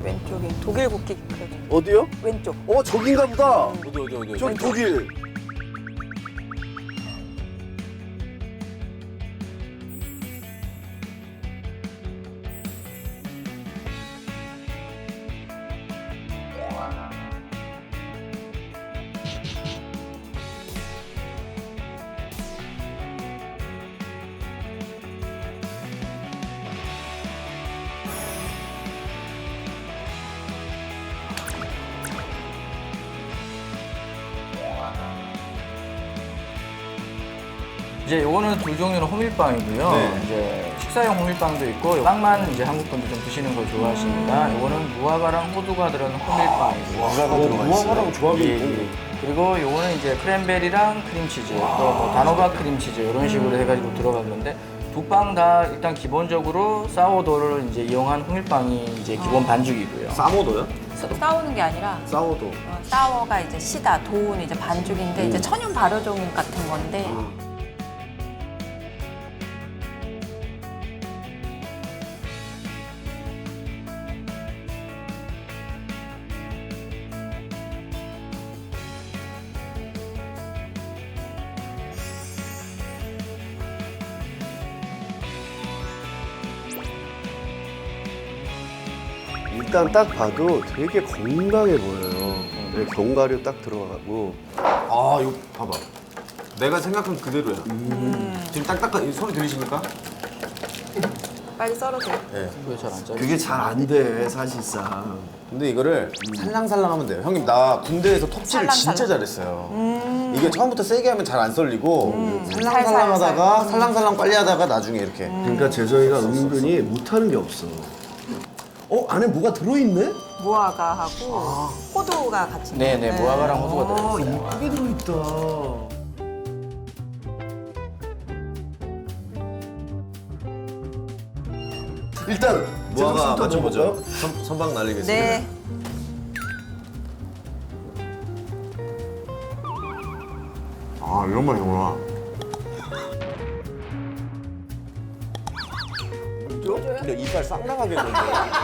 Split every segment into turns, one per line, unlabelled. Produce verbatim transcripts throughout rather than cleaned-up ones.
왼쪽에 독일 국기 그려져 있는
어디요?
왼쪽.
어 저긴가 보다.
어디 어디 어디.
저기 독일.
이제 요거는 두 종류는 호밀빵이고요.
네.
이제 식사용 호밀빵도 있고 빵만 이제 한국 분들 좀 드시는 걸 좋아하십니다. 요거는 무화과랑 호두가 들어간 호밀빵이고요.
무화과가 들어가 있어요. 무화과랑 조합이
예,
있고.
예. 그리고 요거는 이제 크랜베리랑 크림치즈, 또뭐 단호박 크림치즈 이런 식으로 해가지고 들어간 건데 두 빵 다 일단 기본적으로 사워도를 이제 이용한 호밀빵이 이제 기본 반죽이고요.
싸모도요?
싸우는 게 아니라
싸워도.
어, 싸워가 이제 시다, 도우는 이제 반죽인데 이제 천연 발효종 같은 건데
일단 딱 봐도 되게 건강해 보여요. 네, 견과류 딱 들어가고.
아 이거 봐봐. 내가 생각한 그대로야. 지금 딱딱한 이 소리 들리십니까?
빨리 썰어줘.
네.
그게 잘 안 짜요.
그게 잘 안 돼, 사실상.
근데 이거를 살랑살랑 하면 돼요. 형님 나 군대에서 톱질을
살랑살랑.
진짜 잘했어요. 이게 처음부터 세게 하면 잘 안 썰리고 살랑살랑
살살,
하다가 살랑살랑 빨리 하다가 나중에 이렇게
그러니까 재정이가 은근히 못하는 게 없어. 어? 안에 뭐가 들어있네?
무화과하고 호두가 같이.
네네,
있는.
무화과랑 호두가
아,
들어있어요.
이쁘게 들어있다. 일단
무화과
제가
맞춰보죠.
볼까요?
선, 선박 날리겠습니다.
네.
아 이런 맛이구나. 근데 이빨 싹 나가겠는데.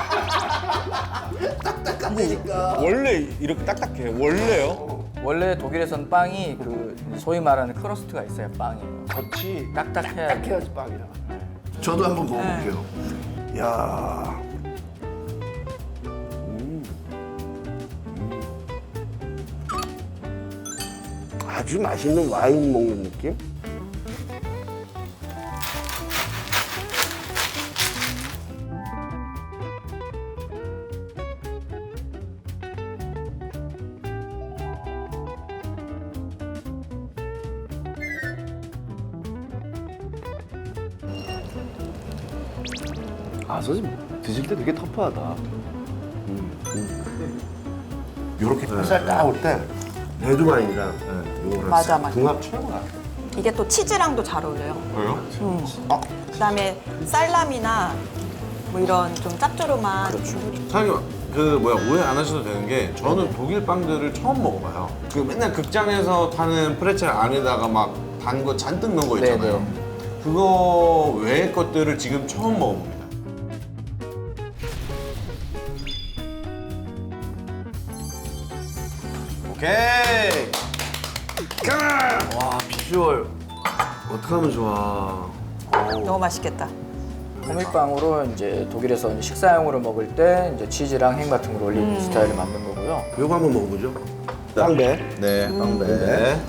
딱딱하니까.
원래 이렇게 딱딱해. 원래요?
원래 독일에선 빵이 그 소위 말하는 크러스트가 있어요. 빵이
겉이
딱딱해야
딱해야지 빵이야. 저도 한번 먹어볼게요. 야. 음. 음. 아주 맛있는 와인 먹는 느낌? 아, 선생님 드실 때 되게 터프하다. 음, 음. 요렇게 햇살 딱 올 때 레드와인이랑 요거랑
맞아, 맞아.
궁합 최고다.
이게 또 치즈랑도 잘 어울려요.
왜요?
그다음에 살라미나 뭐 이런 좀 짭조름한
사장님 그 뭐야 오해 안 하셔도 되는 게 저는 독일 빵들을 처음 먹어봐요. 그 맨날 극장에서 파는 프레첼 안에다가 막 단 거 잔뜩 넣은 거 있잖아요. 그거 외의 것들을 지금 처음 먹어봅니다. 오케이.
와, 비주얼 어떡하면 좋아.
너무 맛있겠다.
호밀빵으로 이제 독일에서 이제 식사용으로 먹을 때 이제 치즈랑 햄 같은 걸 올리는 스타일을 만든 거고요.
요거 한번 먹어보죠. 빵배.
네, 빵배.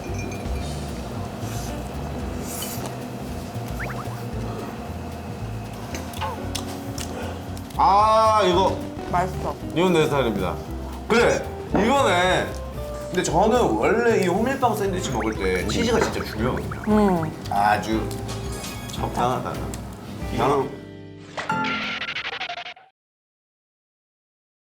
아 이거
맛있어.
이건 내 스타일입니다. 그래 이거네. 근데 저는 원래 이 호밀빵 샌드위치 먹을 때 치즈가 진짜 중요하거든요. 아주 적당하다. 이거는